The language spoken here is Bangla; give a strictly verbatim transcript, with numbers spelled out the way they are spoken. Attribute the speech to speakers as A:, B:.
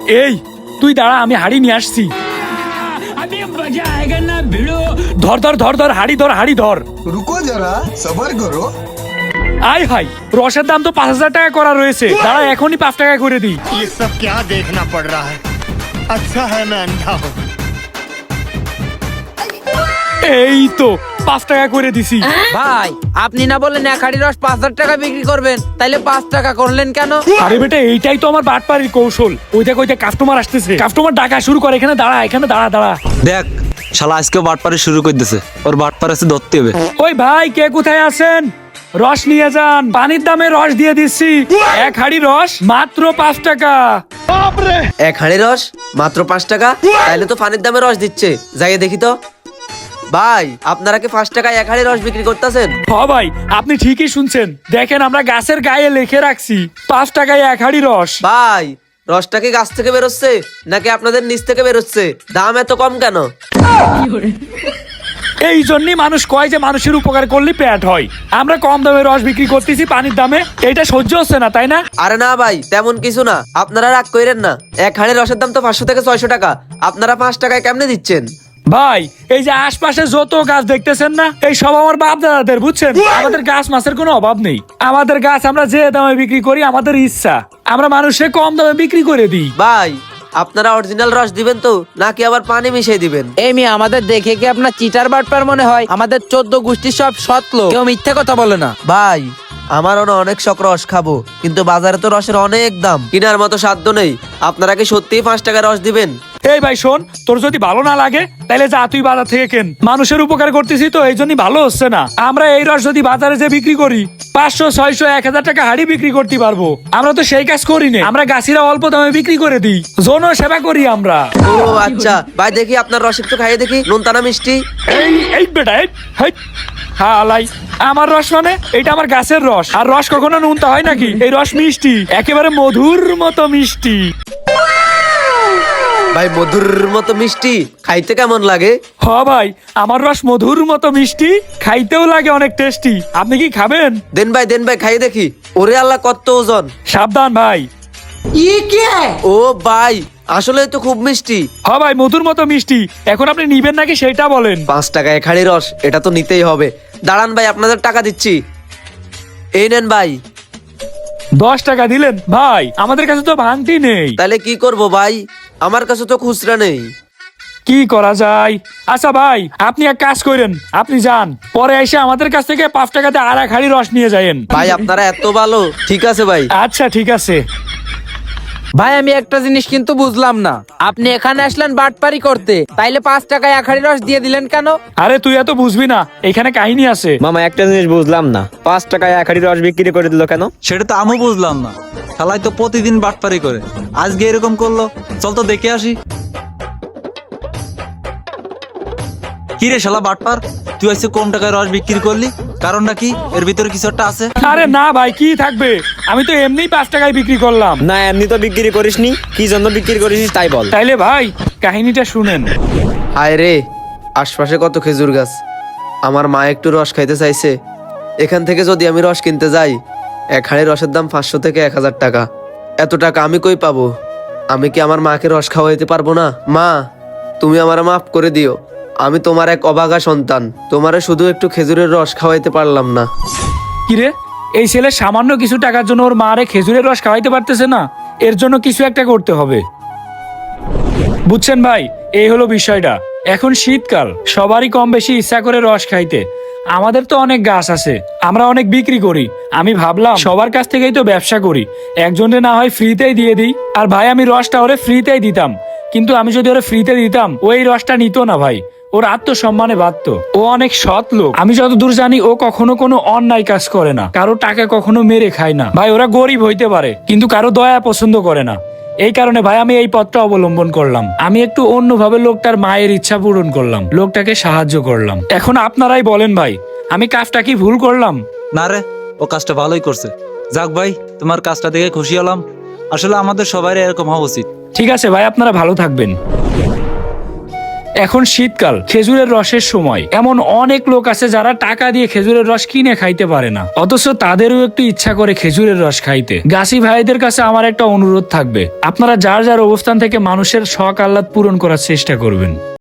A: এই তুই দাঁড়া, আমি হাড়ি নিয়ে আসছি। ধর ধর ধর ধর হাড়ি ধর, হাড়ি ধর।
B: रुको जरा सबर करो।
A: আয় হাই, রসের দাম তো পাঁচ হাজার টাকা করা রয়েছে। দাঁড়া এখনই পাঁচ টাকা করে দিই।
C: ये सब क्या देखना पड़ रहा है? अच्छा है मैं अंधा हूँ।
A: এই তো পাঁচ টাকা করে দিছি।
D: ভাই আপনি না বললেন এক হাড়ি রস পাঁচ হাজার টাকা বিক্রি করবেন, তাইলে পাঁচ টাকা করলেন কেন?
A: আরে বেটা, এইটাই তো আমার বাটপাড়ির কৌশল। ওই দেখ ওই দেখ কাস্টমার আসতেছে, কাস্টমার ডাকা শুরু করে। এখানে দাঁড়া, এখানে দাঁড়া দাঁড়া।
E: দেখ শালা আজকে বাটপারি শুরু করে দিছে, ওর বাটপার আছে ধরতে হবে।
A: ওই ভাই, কে কোথায় আছেন? রস নিয়ে যান, পানির দামে রস দিয়ে দিচ্ছি। এক হাড়ি রস মাত্র পাঁচ টাকা।
D: এক হাড়ি রস মাত্র পাঁচ টাকা? তাইলে তো পানির দামে রস দিচ্ছে, যাই দেখি তো। ভাই আপনারা কি পাঁচ টাকায় এক হাড়ি রস বিক্রি করতেছেন?
A: হ ভাই, আপনি ঠিকই শুনছেন। দেখেন আমরা গাছের গায়ে লিখে রাখছি পাঁচ টাকায় এক হাড়ি রস।
D: ভাই রসটা কি গাছ থেকে বেরোচ্ছে নাকি আপনাদের নিচ থেকে বেরোচ্ছে? দাম এত কম কেন?
A: এই জন্যই মানুষ কয় যে মানুষের উপকার করলে পেট হয়। আমরা কম দামে রস বিক্রি করতেছি পানির দামে, এটা সহ্য হচ্ছে না তাই না?
D: আরে না ভাই, তেমন কিছু না, আপনারা রাগ কইরেন না। এক হাড়ি রসের দাম তো পাঁচশো থেকে ছয়শো টাকা, আপনারা পাঁচ টাকায় কেমনে দিচ্ছেন?
A: ভাই এই যে আশপাশে যত গাছ দেখতেছেন না, এই সব আমার বাপ দাদাদের, বুঝছেন? আমাদের গাছ মাছের কোনো অভাব নেই। আমাদের গাছ আমরা যে দামে বিক্রি করি আমাদের ইচ্ছা, আমরা মানুষে কম দামে বিক্রি করে দিই।
D: ভাই আপনারা অরিজিনাল রস দিবেন তো নাকি আবার পানি মিশিয়ে দিবেন?
F: এই মেয়ে আমাদের দেখে কি আপনার চিটার বাটপার মনে হয়? আমাদের চোদ্দ গোষ্ঠীর সব সৎ লোক, কেউ মিথ্যে কথা বলে না।
D: ভাই আমারও না অনেক শখ রস খাবো, কিন্তু বাজারে তো রসের অনেক দাম, কেনার মতো সাধ্য নেই। আপনারা কি সত্যিই পাঁচ টাকা রস দিবেন?
A: এই ভাই শোন, তোর যদি ভালো না লাগে তাহলে যা, তুই বাজার থেকে কেন। মানুষের উপকার করতেছি তো, এই জন্যই ভালো হচ্ছে না। আমরা এই রস যদি বাজারে যে বিক্রি করি পাঁচশো ছয়শো এক হাজার টাকা হাড়ি বিক্রি করতে পারবো। আমরা তো সেই কাজ করি না, আমরা গাছিরা অল্প দামে বিক্রি করে দিই, জন সেবা করি আমরা।
D: ও আচ্ছা ভাই, দেখি আপনার রস একটু খাইয়ে দেখি, নুনতা না মিষ্টি?
A: এই এই বেটা, এই হেই, হালাই, আমার রস মানে এটা আমার গাছের রস। আর রস কখনো নুনতা হয় নাকি? এই রস মিষ্টি, একেবারে মধুর মতো মিষ্টি।
D: ভাই মধুর মতো মিষ্টি, খাইতে কেমন লাগে?
A: হ ভাই, আমার রস মধুর মতো মিষ্টি, খাইতেও লাগে অনেক টেস্টি। আপনি কি খাবেন?
D: দেন ভাই দেন ভাই, খাইয়ে দেখি। ওরে আল্লাহ, কত ওজন!
A: সাবধান ভাই।
D: ও ভাই আসলে তো খুব মিষ্টি।
A: হ ভাই, মধুর মতো মিষ্টি। এখন আপনি নিবেন নাকি সেটা বলেন।
D: পাঁচ টাকা এক হাড়ি রস, এটা তো নিতেই হবে। দাঁড়ান ভাই, আপনাদের টাকা দিচ্ছি, এই নেন ভাই।
A: দশ টাকা দিলেন? ভাই আমাদের কাছে তো ভাঙতি নেই।
D: তাহলে কি করব ভাই, আমার কাছে তো খুচরা নেই।
A: কি করা যায়? আচ্ছা ভাই, আপনি এক কাজ করেন, আপনি যান, পরে এসে আমাদের কাছ থেকে পাঁচ টাকাতে আর এক হাড়ি রস নিয়ে যায়েন।
D: ভাই আপনারা এত ভালো, ঠিক আছে ভাই।
A: আচ্ছা ঠিক আছে।
F: ভাই আমি একটা জিনিস কিন্তু বুঝলাম না, আপনি এখানে আসলেন বাটপারি করতে, তাইলে পাঁচ টাকায় এক হাড়ি রস দিয়ে দিলেন কেন?
A: আরে তুই এত বুঝবি না, এখানে কাহিনী আছে।
G: মামা একটা জিনিস বুঝলাম না, পাঁচ টাকায় এক হাড়ি রস বিক্রি করে দিল কেন?
E: সেটা তো আমি বুঝলাম না। শালাই তো প্রতিদিন বাটপারি করে, আজকে এরকম করলো। চল তো দেখে আসি। কি রে শালা বাটপার, তুই আজকে কম টাকায় রস বিক্রি করলি, কারণটা কি? এর ভিতরে কিছু একটা আছে?
A: আরে না ভাই, কি থাকবে, আমি তো এমনিই পাঁচ টাকায় বিক্রি করলাম।
G: না এমনি তো বিক্রি করিসনি, কি জন্য বিক্রি করিস তাই বল।
A: তাইলে ভাই কাহিনীটা শুনেন।
D: হায় রে, আশপাশে কত খেজুর গাছ, আমার মা একটু রস খাইতে চাইছে। এখান থেকে যদি আমি রস কিনতে যাই, এক হাড়ি রসের দাম পাঁচশো থেকে এক হাজার টাকা। এত টাকা আমি কই পাবো? আমি কি আমার মাকে রস খাওয়াইতে পারবো না? মা তুমি আমার মাফ করে দিও, আমি তোমার এক অভাগা সন্তান, তোমারে শুধু একটু খেজুরের রস খাওয়াইতে পারলাম না।
A: কিরে, এই ছেলে সামান্য কিছু টাকার জন্য ওর মারে খেজুরের রস খাওয়াইতে পারতেছে না? এর জন্য কিছু একটা করতে হবে, বুঝছেন ভাই? এই হলো বিষয়টা। এখন শীতকাল, সবারই কম বেশি ইচ্ছা করে রস খাইতে। আমাদের তো অনেক গাছ আছে, আমরা অনেক বিক্রি করি। আমি ভাবলাম সবার কাছ থেকেই তো ব্যবসা করি, একজনে না হয় ফ্রিতেই দিয়ে দিই। আর ভাই আমি রসটা ওরে ফ্রিতেই দিতাম, কিন্তু আমি যদি ওরে ফ্রিতে দিতাম ওই রসটা নিত না ভাই, ওর আত্মসম্মানে বাধ্য। ও অনেক সৎ লোক, আমি যতদূর জানি ও কখনো কোনো অন্যায় কাজ করে না, কারো টাকা কখনো মেরে খায় না। ভাই ওরা গরিব হইতে পারে কিন্তু কারো দয়া পছন্দ করে না। এই কারণে ভাই আমি এই পথটা অবলম্বন করলাম। আমি একটু অন্যভাবে লোকটার মায়ের ইচ্ছা পূরণ করলাম, লোকটাকে সাহায্য করলাম। এখন আপনারাই বলেন ভাই, আমি কাজটা কি ভুল করলাম?
E: না রে, ও কাজটা ভালোই করছে। যাক ভাই, তোমার কাজটা দেখে খুশি হলাম। আসলে আমাদের সবাই এরকম হওয়া উচিত।
A: ঠিক আছে ভাই, আপনারা ভালো থাকবেন। এখন শীতকাল, খেজুরের রসের সময়। এমন অনেক লোক আছে যারা টাকা দিয়ে খেজুরের রস কিনে খাইতে পারে না, অথচ তাদেরও একটু ইচ্ছা করে খেজুরের রস খাইতে। গাছি ভাইদের কাছে আমার একটা অনুরোধ থাকবে, আপনারা যার যার অবস্থান থেকে মানুষের শখ আহ্লাদ পূরণ করার চেষ্টা করবেন।